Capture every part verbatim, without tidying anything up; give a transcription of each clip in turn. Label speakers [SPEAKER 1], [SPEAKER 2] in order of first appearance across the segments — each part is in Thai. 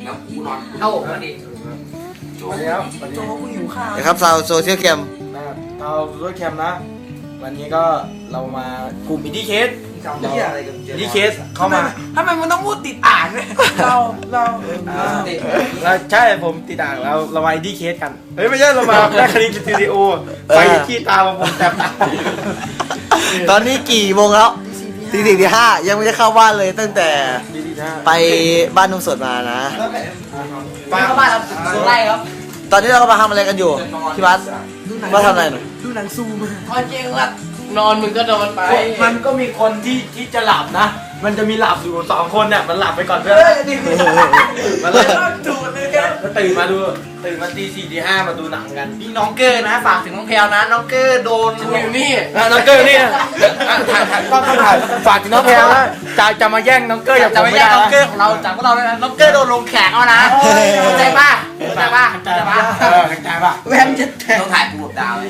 [SPEAKER 1] แล้วกูนอน
[SPEAKER 2] เข้าพอดี
[SPEAKER 1] โจ้โจ้กูหิวข้าว
[SPEAKER 3] นะครับชาวโซเชียลแคม
[SPEAKER 4] นะครับเรารถแคมนะวันนี้ก็เรามากลุ่มอินดี้เคส
[SPEAKER 1] จำเหี้ยอะไรกัน
[SPEAKER 4] อินดี้เคสเข้ามา
[SPEAKER 1] ทำไมมันต้องพูดติดอ่างด้วยเราเรา
[SPEAKER 4] อ่าเราใช่ผมติดอ่างแล้วเรามาอินดี้เคสกันเฮ้ยไม่ใช่เรามาแม่คณิตสตูดิโอไฟขี้ตามาผมแตบตา
[SPEAKER 3] ตอนนี้กี่โมงแล้วตีสี่ตีห้ายังไม่ได้เข้าบ้านเลยตั้งแต่ไปบ้านนุ่มสดมานะ
[SPEAKER 2] เข้าบ้านเราสุดไล่ครับ
[SPEAKER 3] ตอนนี้เราก็มาทำอะไรกันอยู่พี่บัสมาทำอะไรหน่อย
[SPEAKER 1] ดูหนังซูม
[SPEAKER 2] พอจริงละนอนมึงก็นอนไป
[SPEAKER 4] มันก็มีคนที่ที่จะหลับนะ มันจะมีหลับอยู่สองคนเนี่ยมันหลับไปก่อนเพื่อนมันเลย
[SPEAKER 1] ดูเลย
[SPEAKER 4] ก็ตื่นมาดูตื่นมาตีสี่ตีห้ามาดูหนังกัน
[SPEAKER 2] นี่น้องเกอร์นะฝากถึงน้องแพลวนะน้องเกอร์โดนอยู่นี่
[SPEAKER 4] อ่ะน้องเกอร์นี่อ่ะอ่ะถ่ายถ่ายต้องต้องถ่ายฝากถึงน้องแพลวนะจะจะมาแย่งน้องเกอร์อย่า
[SPEAKER 2] จะ
[SPEAKER 4] ผม
[SPEAKER 2] ไม่
[SPEAKER 4] ไม่
[SPEAKER 2] แย่
[SPEAKER 4] ได้
[SPEAKER 2] งน้องเกอ
[SPEAKER 4] นะ
[SPEAKER 2] ร์ของเราจากพวกเราเลยนะน้องเกอร์โดนลงแขกเอานะเข้าใจป่ะเข้าใจป่ะเข้าใจป่ะ
[SPEAKER 4] เออเข้าใจป่ะ
[SPEAKER 1] แว่นจะแทง
[SPEAKER 2] ต้องถ่ายปูดาวเลย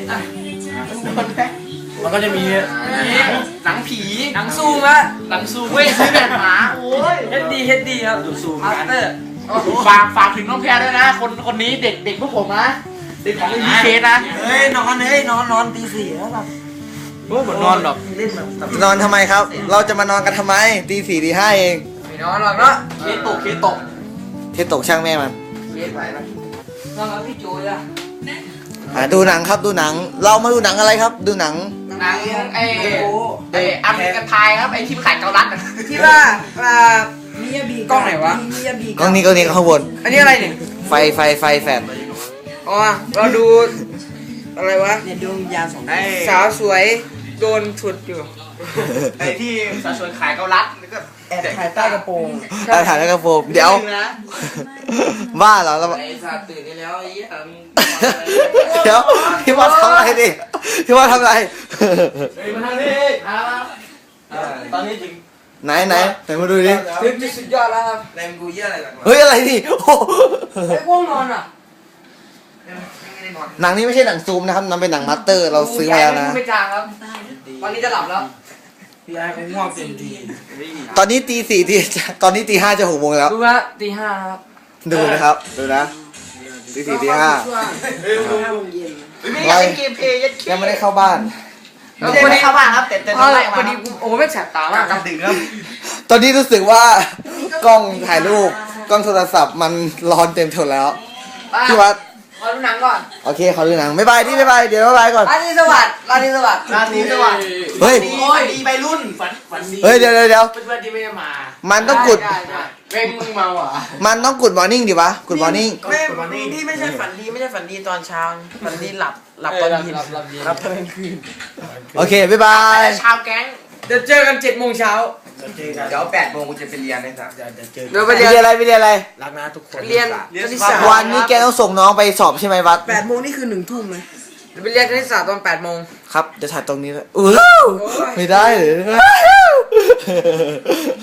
[SPEAKER 4] มันก็จะมี
[SPEAKER 2] หนังผีหนังซูมอะหนังซูมเว้ยซื้อแบบหมาโอ้ยเฮดดีเฮดดีครับ
[SPEAKER 4] ดูซูม
[SPEAKER 2] มา
[SPEAKER 4] กั
[SPEAKER 2] ส
[SPEAKER 4] น
[SPEAKER 2] เตอร์ฝากฝากถึงน้องแพรด้วยนะ คนคนนี้เด็กเด็กพวกผมนะเด็กของอีเคสนะ
[SPEAKER 1] เฮ้ยนอนเฮ้ยนอนนอนตีสี่แล้วหลับ
[SPEAKER 4] โอ้ยผมนอนหรอก
[SPEAKER 1] เล่นแบบ
[SPEAKER 3] นอนทำไมครับ เราจะมานอนกันทำไมตีสี่ตีห้าเอง
[SPEAKER 2] ไม่นอนหรอกเนาะเคสตกเคสตก
[SPEAKER 3] เทตกช่างแม่มัน
[SPEAKER 2] เคสไหวไหมนอนกับพี่จูเลยอะ
[SPEAKER 3] อ่ะดูหนังครับดูหนัง เรามาดูหนังอะไรครับ ดูหนัง
[SPEAKER 2] หนังไอ้ไอ้อเมริกันไทยครับไอ้ที่ขายเกาลัดอะ
[SPEAKER 1] ที่ว่าอ่ามิยาบีกล้องไหนวะมิยาบี
[SPEAKER 3] กล้องนี้กล้องนี้ข้างบน
[SPEAKER 1] อันนี้อะไรเนี่ย
[SPEAKER 3] ไฟไฟไฟแฟน
[SPEAKER 1] อ๋อเราดูอะไรวะเนี่ยดวงยาสองสาวสวยโดนฉุดอยู่
[SPEAKER 2] ไอ้ที่สาวสวยขายเกาลัดแล้วก็
[SPEAKER 1] แอบถ่ายใต้กระโปรง
[SPEAKER 3] ได้ถ่ายแล้วกระโปรงเดี๋ยว
[SPEAKER 2] นะ
[SPEAKER 3] บ้าเหรอเรา
[SPEAKER 2] ไอ้สัตว์ตื่นได้แล้วไอ้เหี้ย
[SPEAKER 3] เดี๋ยวพี่ว่าทำอะไรดิพี่ว่าทำอะไร
[SPEAKER 4] เฮ้ยมาทางนี้
[SPEAKER 2] เอา
[SPEAKER 4] ตอนนี้จริง
[SPEAKER 3] ไหนไหนไหนมาดูดิ
[SPEAKER 1] คลิปที่สุดยอดแล้วครับ
[SPEAKER 2] แรงกูเยี่ยอะไรกันวะ
[SPEAKER 3] เฮ้ยอะไรดิโอ้
[SPEAKER 1] ไอ้ง่วงนอนอ่ะ
[SPEAKER 2] ไม่ได้นอน
[SPEAKER 3] หนังนี้ไม่ใช่หนังซูมนะครับมันเป็นหนังมาสเตอร์เราซื้อมาแล้วนะ
[SPEAKER 2] ไม่จางครับวันนี้จะหลับแล้ว
[SPEAKER 4] พี่ไอ้เขาง่วงเต็มที
[SPEAKER 3] ตอนนี้ตีสี่ตีตอนนี้ตีห้าจะหกโมงแล้ว
[SPEAKER 2] ดูว่าตีห้าครับ
[SPEAKER 3] ดูนะครับดูนะตีสี่ตีห้า
[SPEAKER 4] เฮ้ยดู
[SPEAKER 1] ห้าโมงเย็น
[SPEAKER 2] ไม่อยากเล่นเกมเพลย์ยัด
[SPEAKER 3] ยังไม่ได้เข้าบ้าน
[SPEAKER 2] วันนี้เข้าบ้านครับแต่แต่ต้องไล่มา
[SPEAKER 1] วันนี้โอ้ไม่แสบตามาก
[SPEAKER 2] กำดึงครับ
[SPEAKER 3] ตอนนี้รู้สึกว่ากล้องถ่ายรูปกล้องโทรศัพท์มันร้อนเต็มทนแล้วพี่วัด
[SPEAKER 2] ขอดูหนังก่อน
[SPEAKER 3] โอเคขอดูหนังบ๊ายบายที่บ๊ายบายเดี๋ยวบ๊ายบายก่อน
[SPEAKER 1] ราตรีสวัสดิ์ราตรีสวัสดิ์
[SPEAKER 2] ราตรีสวัสดิ์
[SPEAKER 3] เฮ้ย
[SPEAKER 2] โอ้ยดีไปรุ่นฝันฝันดี
[SPEAKER 3] เฮ้ยเดี๋ยวเดี๋ยวเดี๋ยว
[SPEAKER 2] เพื่อนๆที่ไม่ได้มา
[SPEAKER 3] มันต้องกด
[SPEAKER 2] ได้ได้เว้งมึงเมาอ่ะ
[SPEAKER 3] มันต้องกดมอร์นิ่งดิวะกดมอร์นิ่ง
[SPEAKER 1] ไม่พี่ไม่ใช่ฝันดีไม่ใช่ฝันดีตอนเช้าฝันดีหลับหลับตอนเย็น
[SPEAKER 2] หลับหลับเย็น
[SPEAKER 1] หลับตอนกลางคืน
[SPEAKER 3] โอเคบ๊ายบาย
[SPEAKER 2] แต่ชาวแก๊ง
[SPEAKER 1] เดี๋ยวเจอกันเจ็ดโมงเช้า
[SPEAKER 4] เจอกัน
[SPEAKER 2] เดี๋ยวแปดโมงกูจะไปเรียนเลยสัก
[SPEAKER 4] เดี๋ยวเดี๋ยวเจอ
[SPEAKER 1] เดี๋ยว
[SPEAKER 3] ไป
[SPEAKER 1] ไป
[SPEAKER 3] เรี
[SPEAKER 1] เรี
[SPEAKER 3] ย
[SPEAKER 1] ย
[SPEAKER 3] น
[SPEAKER 1] น
[SPEAKER 3] อะไรไปเรียนอะไร
[SPEAKER 4] รักนะทุกคน
[SPEAKER 1] เรียนคณิตศาสตร์
[SPEAKER 3] วันนี้แกต้องส่งน้องไปสอบใช่ไหมวัด
[SPEAKER 1] แปดโมงนี่คือหนึ่งทุ่มเลยเดี๋ยวไปเรียนคณิตศาสตร์ตอนแปดโมง
[SPEAKER 3] ครับจะถ่ายตรงนี้เลยอู้ไม่ได้เลย